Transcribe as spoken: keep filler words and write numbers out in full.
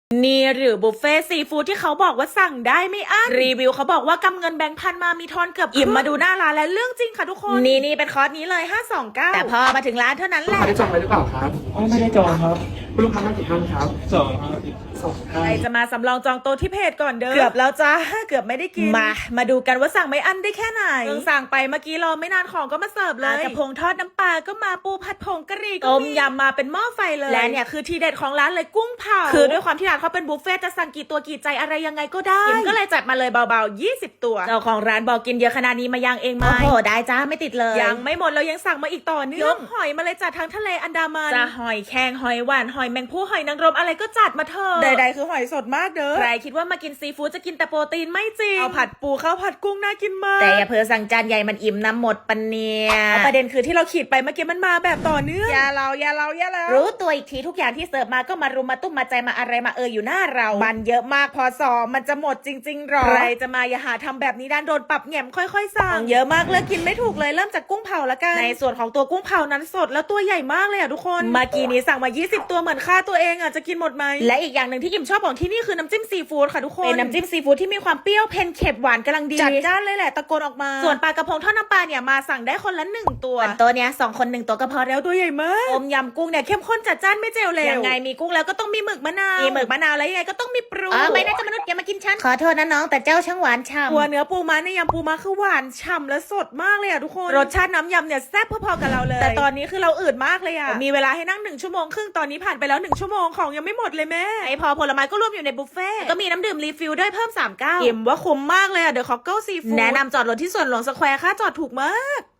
นี่หรือบุฟเฟ่ซีฟู้ดที่เขาบอกว่าสั่งได้ไม่อั้นรีวิวเขาบอกว่ากำเงินแบงค์พันมามีทอนเกือบอิ่มมาดูหน้าร้านและเรื่องจริงค่ะทุกคนนี่นี่เป็นคอร์สนี้เลยห้าสองเก้าแต่พอมาถึงร้านเท่านั้นแหลูกละค้าได้จองไว้หรือเปล่าครับอ๋อไม่ได้จองครับคุณลูกค้ามากี่ท่านครับสองครับสองใคท่าร นจะมาสำรองจองโต๊ะที่เพจก่อนเด้อเกือบแล้วจ้าเกือบไม่ได้กินมามาดูกันว่าสั่งไม่อั้นได้แค่ไหนเพิ่งสั่งไปเมื่อกี้รอไม่นานของก็มาเสิร์ฟเลยกระพงทอดน้ำปลาก็มาปูผัดผงกะหรี่ต้มยำมาเป็นหม้อไฟเลยและเนี่ยคือทีเด็ดของร้านเลยกุ้งเผาคือด้วยความที่ร้านเขาเป็นบุฟเฟ่จะสั่งกี่ตัวกี่ใจอะไรยังไงก็ได้กิมก็เลยจัดมาเลยเบาๆยี่สิบตัวเจ้าของร้านบอกกินเยอะขนาดนี้มาย่างเองไหมโอ้โหได้จ้าไม่ติดเลยยังไม่หมดเรายังสั่งมาอีกต่อเนื่องยกหอยมาเลยจัดทั้งทะเลอันดามันจะหอยแครงหอยหวานหอยแมงผู้หอยนางรมอะไรก็จัดมาเถอะใดๆคือหอยสดมากเด้อใครคิดว่ามากินซีฟู้ดจะกินแต่โปรตีนไม่จริงเอาผัดปูข้าวผัดกุ้งน่ากินมากแต่อย่าเพิ่งสั่งจานใหญ่มันอิ่มน้ำหมดปันเนียประเด็นคือที่เราขีดไปเมื่อกี้มันมาแบบต่อเนื่องอย่าเราอย่าเราอย่าเรารู้ตัวอีกทีทุกอย่างที่เสิร์ฟมาก็มารุมมาตุ้มมาใจมาอะไรมาเอออยู่หน้าเรามันเยอะมากพอสอมันจะหมดจริงๆหรอใครจะมาอย่าหาทำแบบนี้ด้านโดนปรับแหง่มค่อยๆสั่งเยอะมากเลยกินไม่ถูกเลยเริ่มจากกุ้งเผาละกันในส่วนของตัวกุ้งเผานั้นสดแล้วตัวใหญ่มากเลยอ่ะทุกคนเมื่อกี้นี้สั่งมายี่สิบตัวเหมือนค่าตัวเองอ่ะจะกินหมดไหมและอีกอย่างหนึ่งที่กิมชอบของที่นี่คือน้ำจิ้มซีฟู้ดค่ะทุกคนเป็นน้ำจิ้มซีฟู้ดที่มีความเปรี้ยวเผ็ดเค็มหวานกำลังดีจัดจ้านเลยแหละตะโกนออกมาส่วนปลากระพงทอดน้ำปลาเนี่ยมาสั่งได้คนละหนึ่งตัวตัวเนี้ยสองคนหนึ่งตัวก็พอแล้วตัวใหญ่มากต้มยำกุ้งเนี่ยเข้มข้นจัดจ้านไม่เจลเลยยังไงมีกุ้งแล้วก็ต้องมีหมึกมะนาวมีหมึกมะนาวแล้วยังไงก็ต้องมีปรุงอ๋อไม่น่าจะมนุษย์อย่ามากินฉันขอโทษนะน้องแต่เจ้าช่างหวานฉ่ำตัวเนื้อปูม้าในยำปูม้าคือหวานฉ่ำและสดมากเลยอ่ะทุกคนรสชาติน้ำยำเนี่ยแซ่บพอๆกับเราเลยแต่ตอนนี้คือเราอืดมากเลยอ่ะมีเวลาให้นั่งหนึ่งชั่วโมงครึ่งตอนนี้ผ่านไปแล้วหนึ่งชั่วโมงของยังไม่หมดเลยแม่ไอพอผลไม้ก็รวมอยู่ในบุฟเฟ่ก็มีน้ำดื่มรีฟิลด้วยเพิ่มสามเก้าอิ่มว่าคุ้มมากเลยอ่ะเดอะคอกเกิลซีฟู้ดแนะนำจอดรถที่สวนหลวงสแควร์ค่าจอดถูกมาก